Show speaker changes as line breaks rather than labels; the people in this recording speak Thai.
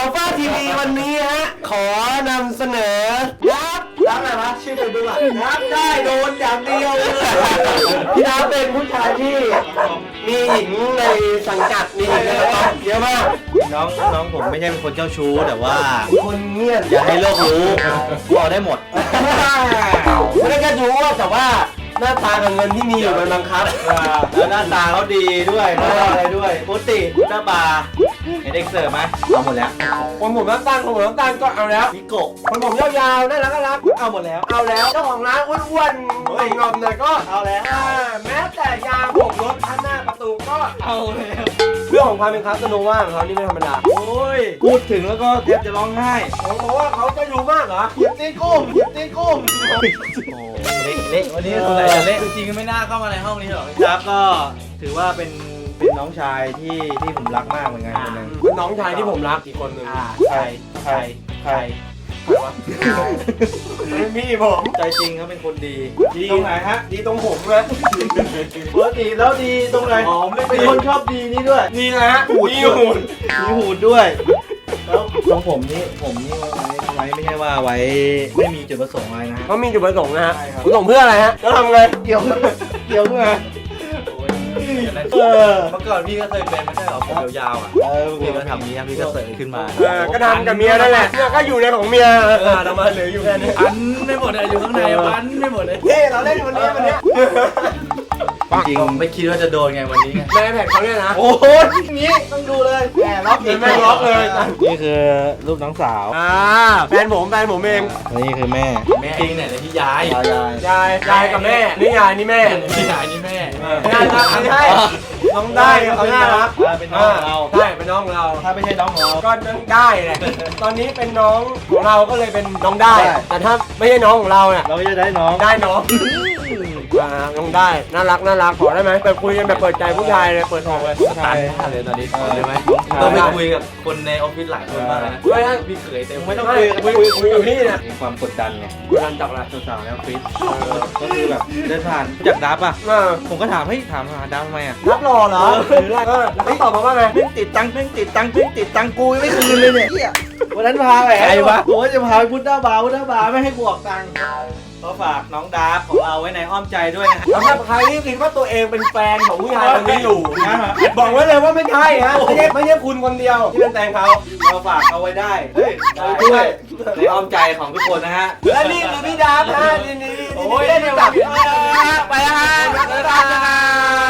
อัลฟาทีวีวันนี้ฮะขอนำเสนอรับอะไรวะชื่อเป็นดูอ่ะรับได้โดนอย่างเดียวเลยพี่รับเป็นผู้ชายที่มีหญิงในสังกัดมีหญิงในกระต๊อบเยอะมาก
น้องผมไม่ใช่เป็นคนเจ้าชู้แต่ว่า
คนเงียบ
อย่าให้โลกรู้กูเอาได้หมด
ไม่ได้แค่รู้แต่ว่าหน้าตากับเงินที่มีอยู่มันบังคับ
แล้วหน้าตาเขาดีด้วยอะไรด้วยพุติหน้าบาเห็นเด็กเสิร์ฟไหมเอาหมดแล้ว
คนผมน้ำตาลก็เอาแล้ว
พิโกะ
คนผมยาวๆน่ารัก
เอาหมดแล้ว
เอาแล้วเจ้าของร้านอ้วนๆงอมๆหน่อยก็
เอาแล้ว
แม้แต่ยางผมรถข้างหน้าประตูก็
เอาแล้ว
เรื่องของความเป็นคาสโนว่าของเขานี่ไม่ธรรมดา
โอ้ยพูดถึงแล้วก็แทบจะร้องไห้
ผมบอกว่าเขาจะอยู่มากเหรอ
เหยียบตีนกุ้งเละวันนี้สงสัยจะเละจริงๆไม่น่าเข้ามาในห้องนี้หรอกครับก็ถือว่าเป็นน้องชายที่ผมรักมากเหมือนกันคนนึง
เป็นน้องชายที่ผมรักอีกคนนึง
ใคร
วะพี่ผม
ใจจริงเขาเป็นคนดี
ตรงไหนฮะดีตรงผมนะ
ปกติแล้วดีตรงไหนเป็นคนชอบดีนี่ด้วย
นี่นะฮะมี
หูดด้วยแล้วตรงผมนี่ไว้ไม่ใช่ว่าไว้ไม่มีจุดประสงค์อะไรนะ
เขามีจุดประสงค์นะฮะจุดประสงค์เพื่ออะไรฮะแล้วทำไง
เกี่ยวเพื่อเมื่อก่อนพี่ก็เคยเป็นไม่ใช่หรอผมยาวๆอ่ะพี่ก็ทำนี้พี่ก็เสยขึ้นมา
ก็ทำกับเมียนั่นแหละก็อยู่ในของเมียทำมาเหลืออยู่แค่นี้
อันไม่หมดเลยอยู่ข้างในวันไม่หมดเลย
เราเล่นวันนี้
จริงไม่คิดว่าจะโดนไงวันนี้
ในแผ่นเขาเนี่ยนะ
โอ้โหนี้ต้องดูเลยแหมล็อกอีก
ไม่ล็อกเลย
นี่คือรูปน้องสาว
แฟนผมเอง
นี่คือแม่จริงเนี่ยที่ยาย
กับแม่นี่ยายนี่แม่
นี่ยายนี่แม่
ยายนะใช่น้องได้เขาน่ารัก
เป็นน้องเรา
ใช่เป็นน้องเรา
ถ้าไม่ใช่น้องเรา
ก็ได้แหละตอนนี้เป็นน้องของเราก็เลยเป็นน้องได้แต่ถ้าไม่ใช่น้องของเราเนี่ย
เราจะได้น้อง
น้องน้องได้น่ารักขอได้ไหมไปคุยกันแบบเปิดใจผู้ชายเลยเปิดอกเลย
ใช่เลยตอนนี้ได้ไหมต้องไปคุยกับคนในออฟฟิศหลายคนมากนะพี่เขยเต็มไม่ต้อง
คุยกับพี่เนี่ย
มีความกดดันไง
กดดันจากอะไร
สาวๆในออฟฟิศก็คือแบบเดินผ่านจากดับอ่ะผมก็ถามถามหาดับทำไมอ่ะ
ดับรอเหรอหรืออะไรเขาตอบมาว่าไง
ติดตังกูไม่คืนเลยเนี่ยวันนั้นพาไปใครวะผมว่าจะพาไปพุทธบาร์ไม่ให้บวกตังค์ก็ฝากน้องดาร์ฟของเราไว้ในอ้อมใจด้วยนะ
สำหรับใครที่คิดว่าตัวเองเป็นแฟนของผู้ชายคนนี้อยู่นะบอกไว้เลยว่าไม่ใช่ฮะไม่ใช่คุณคนเดียวที่เป็นแฟนเขา
เราฝากเอาไว้ได้ด้วยในอ้อมใจของทุกคนนะฮะ
และนี่คือพี่ดาร์ฟนะนี่เล่นจับไปฮะ